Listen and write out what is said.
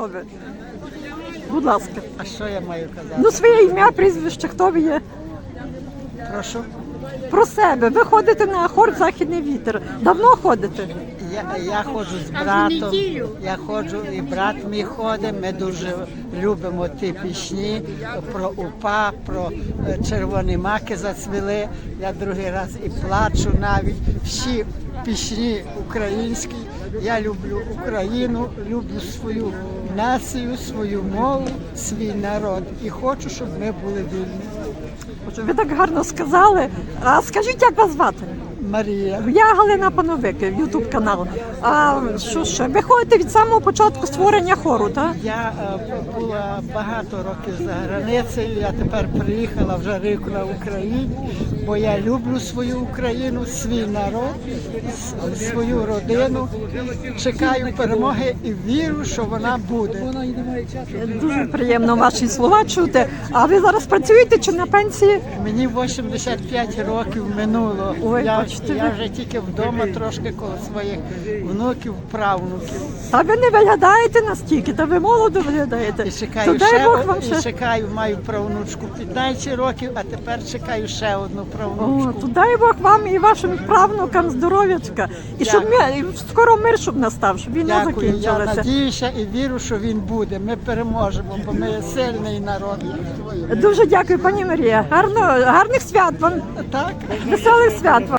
хто ви? Будь ласка. А що я маю казати? Ну, своє ім'я, прізвище, хто ви є? Прошу. Про себе. Ви ходите на хор «Західний вітер». Давно ходите? Я ходжу з братом, я ходжу, і брат мій ходить, ми дуже любимо ті пісні про УПА, про червоні маки зацвіли. Я другий раз і плачу навіть. Всі пісні українські. Я люблю Україну, люблю свою націю, свою мову, свій народ. І хочу, щоб ми були вільні. Ви так гарно сказали. А скажіть, як вас звати? Марія. Я Галина Пановик, Ютуб канал. А що ще? Ви ходите від самого початку створення хору, так? Я була багато років за границею, я тепер приїхала вже рік на Україні, бо я люблю свою Україну, свій народ, свою родину. Чекаю перемоги і вірю, що вона буде. Дуже приємно ваші слова чути. А ви зараз працюєте чи на пенсії? Мені 85 років минуло. Ой, Я бачите ви. вже тільки вдома трошки коло своїх внуків, правнуків. Та ви не виглядаєте настільки, та ви молодо виглядаєте. І чекаю, То дай Бог вам ще. чекаю, маю правнучку 15 років, а тепер чекаю ще одну О, правнучку. то дай Бог вам і вашим правнукам здоров'ячка. І щоб і скоро мир щоб настав, щоб війна Дякую, я закінчилася. надіюся і вірю, що він буде. Ми переможемо, бо ми сильний народ. Дуже дякую, пані Марія. Гарних свят вам, Так? веселих свят вам.